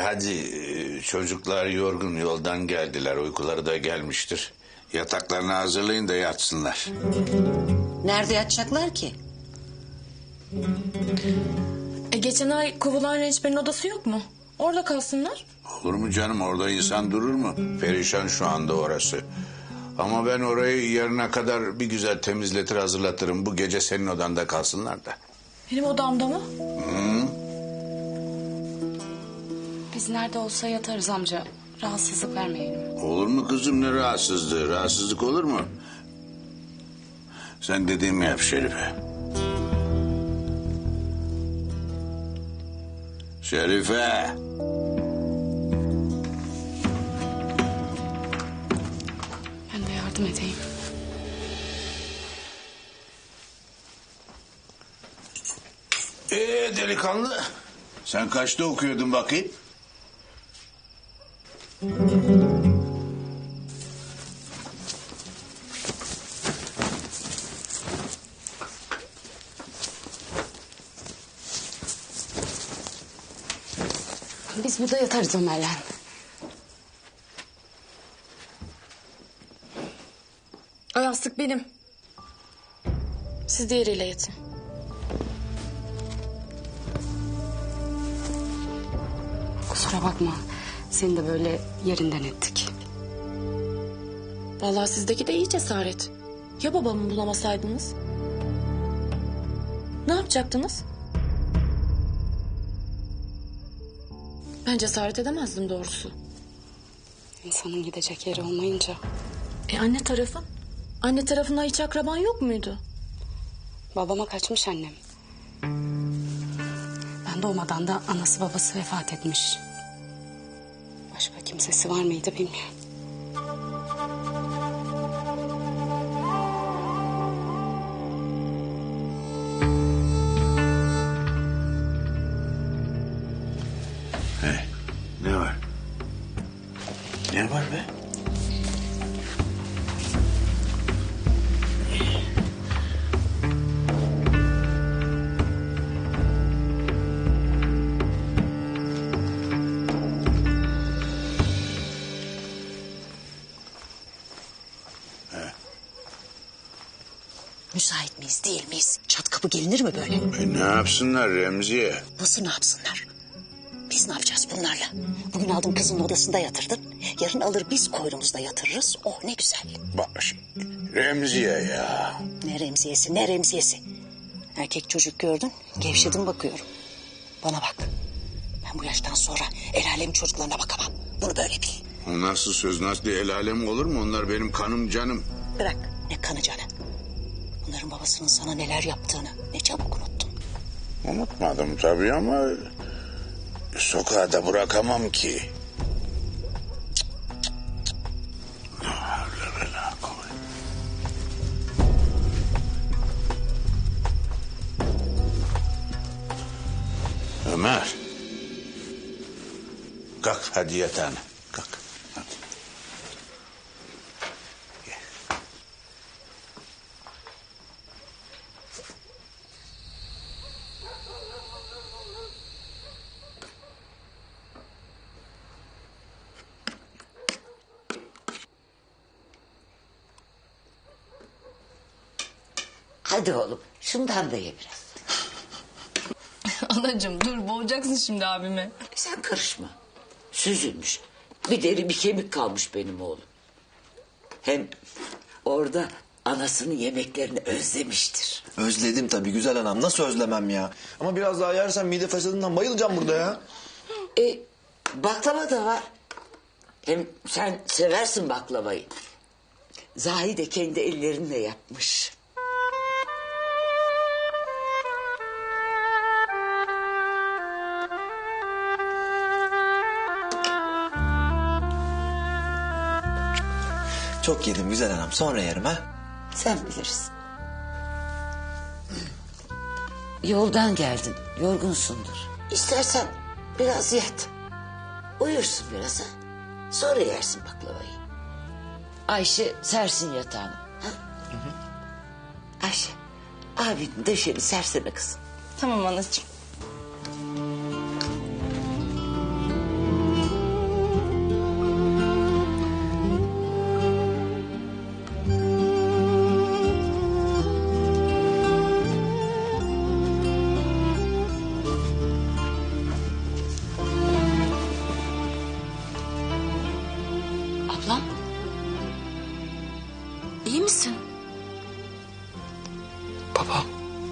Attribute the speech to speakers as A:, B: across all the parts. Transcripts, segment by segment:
A: Hadi çocuklar yorgun yoldan geldiler. Uykuları da gelmiştir. Yataklarını hazırlayın da yatsınlar.
B: Nerede yatacaklar ki?
C: Geçen ay kovulan rençberin odası yok mu? Orada kalsınlar.
A: Olur mu canım, orada insan durur mu? Perişan şu anda orası. Ama ben orayı yarına kadar bir güzel temizletir hazırlatırım. Bu gece senin odanda kalsınlar da.
C: Benim odamda mı?
D: Biz nerede olsa yatarız amca. Rahatsızlık vermeyelim.
A: Olur mu kızım, ne rahatsızlığı? Rahatsızlık olur mu? Sen dediğimi yap Şerife. Şerife.
D: Ben de yardım edeyim.
A: Delikanlı. Sen kaçta okuyordun bakayım?
D: Biz burada yatarız Ömer'le.
C: O yastık benim. Siz diğeriyle yatın.
D: Kusura bakma. Seni de böyle yerinden ettik.
C: Vallahi sizdeki de iyi cesaret. Ya babamı bulamasaydınız? Ne yapacaktınız? Ben cesaret edemezdim doğrusu.
D: İnsanın gidecek yeri olmayınca.
C: Anne tarafın? Anne tarafından hiç akraban yok muydu?
D: Babama kaçmış annem. Ben doğmadan da anası babası vefat etmiş. Başka kimsesi var mıydı bilmiyorum.
A: Ne var? Ne var be?
B: Müsait miyiz değil miyiz? Çat kapı gelinir mi böyle?
A: Ne yapsınlar Remziye?
B: Nasıl ne yapsınlar? Biz ne yapacağız bunlarla? Bugün aldım kızın odasında yatırdın. Yarın alır biz koynumuzda yatırırız. Oh ne güzel.
A: Bak şimdi, Remziye ya.
B: Ne remziyesi ne remziyesi. Erkek çocuk gördün gevşedin bakıyorum. Bana bak. Ben bu yaştan sonra el alemin çocuklarına bakamam. Bunu böyle bil.
A: O nasıl söz, nasıl el alem olur mu? Onlar benim kanım canım.
B: Bırak ne kanı canı. Bunların babasının sana neler yaptığını ne çabuk unuttun.
A: Unutmadım tabii ama sokağa da bırakamam ki. Ne havle ve la kuvvet. Ömer. Kalk hadi yatağına. Kalk. Hadi. Gel.
E: Hadi oğlum şundan da ye biraz.
C: Anacığım dur boğacaksın şimdi abimi.
E: Sen karışma. Süzülmüş. Bir deri bir kemik kalmış benim oğlum. Hem orada anasının yemeklerini özlemiştir.
F: Özledim tabii güzel anam. Nasıl özlemem ya? Ama biraz daha yersem mide fesadından bayılacağım burada ya.
E: Baklava da var. Hem sen seversin baklavayı. Zahide kendi ellerinle yapmış.
F: Çok yedim güzel anam. Sonra yerim ha.
E: Sen bilirsin. Yoldan geldin. Yorgunsundur. İstersen biraz yat. Uyursun biraz ha. Sonra yersin baklavayı. Ayşe sersin yatağını. Ha? Ayşe abinin döşeni sersene kızım.
C: Tamam anacığım.
G: Babam.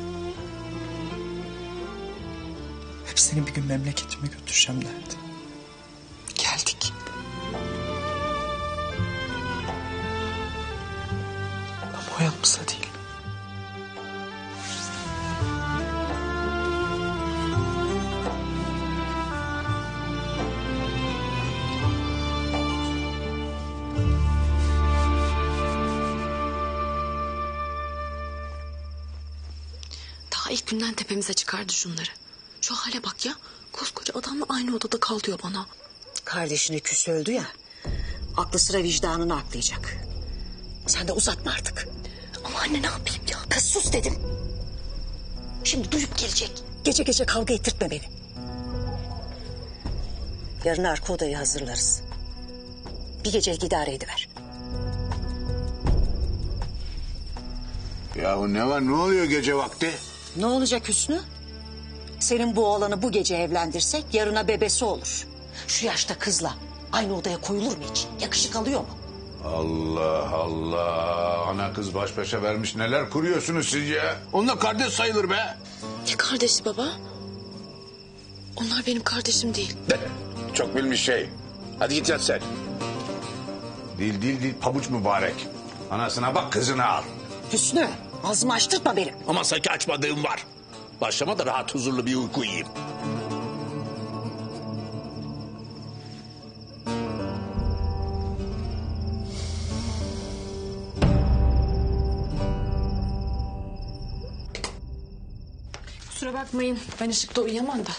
G: Hep seni bir gün memleketime götüreceğim derdi. Geldik. Ama o yanımızda değil.
C: Daha ilk günden tepemize çıkardı şunları. Şu hale bak ya. Koskoca adamla aynı odada kal diyor bana.
B: Kardeşine küs öldü ya. Aklı sıra vicdanını aklayacak. Sen de uzatma artık.
C: Ama anne ne yapayım ya?
B: Kız sus dedim. Şimdi duyup gelecek. Gece gece kavga ettirtme beni. Yarın arka odayı hazırlarız. Bir gecelik idare ediver.
A: Yahu ne var, ne oluyor gece vakti?
B: Ne olacak Hüsnü? Senin bu oğlanı bu gece evlendirsek yarına bebesi olur. Şu yaşta kızla aynı odaya koyulur mu hiç? Yakışık alıyor mu?
A: Allah Allah. Ana kız baş başa vermiş, neler kuruyorsunuz siz ya? Onunla kardeş sayılır be.
C: Ne kardeşi baba? Onlar benim kardeşim değil.
A: Çok bilmiş şey. Hadi git yat sen. Değil pabuç mübarek. Anasına bak, kızını al.
B: Hüsnü ağzımı açtırtma benim.
H: Ama sanki açmadığım var. Başlama da rahat huzurlu bir uyku uyuyayım.
C: Kusura bakmayın. Ben ışıkta uyuyamam da.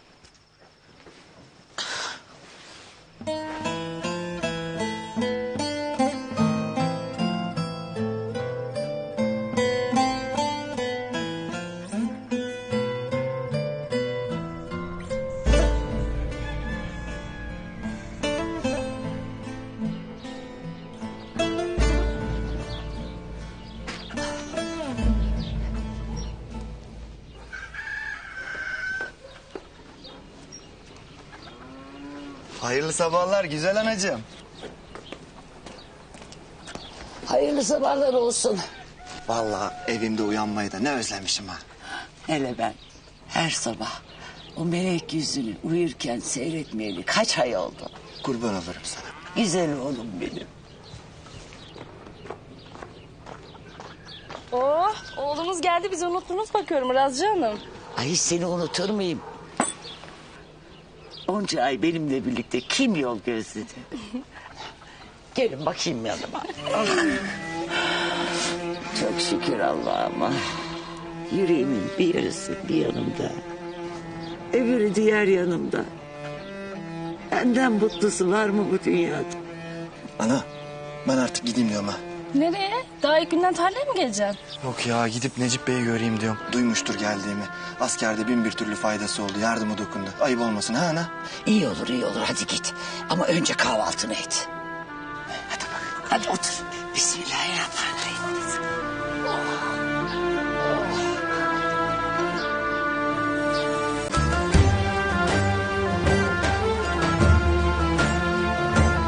F: Hayırlı sabahlar güzel anacığım.
E: Hayırlı sabahlar olsun.
F: Vallahi evimde uyanmayı da ne özlemişim ha.
E: Hele ben her sabah o melek yüzünü uyurken seyretmeyeli kaç ay oldu.
F: Kurban olurum sana.
E: Güzel oğlum benim.
I: Oh, oğlumuz geldi, bizi unuttunuz bakıyorum Razcı Hanım.
E: Ay hiç seni unutur muyum? Onca ay benimle birlikte kim yol gözledi? Gelin bakayım yanıma. Çok şükür Allah'ıma. Yüreğimin bir yarısı bir yanımda. Öbürü diğer yanımda. Benden mutlusu var mı bu dünyada?
F: Ana ben artık gideyim diyorum ha.
I: Nereye? Daha ilk günden tarlaya mı geleceksin?
F: Yok ya gidip Necip Bey'i göreyim diyorum. Duymuştur geldiğimi. Askerde bin bir türlü faydası oldu. Yardımı dokundu. Ayıp olmasın ha ana?
E: İyi olur iyi olur hadi git. Ama önce kahvaltını et. Hadi bak hadi otur. Bismillah.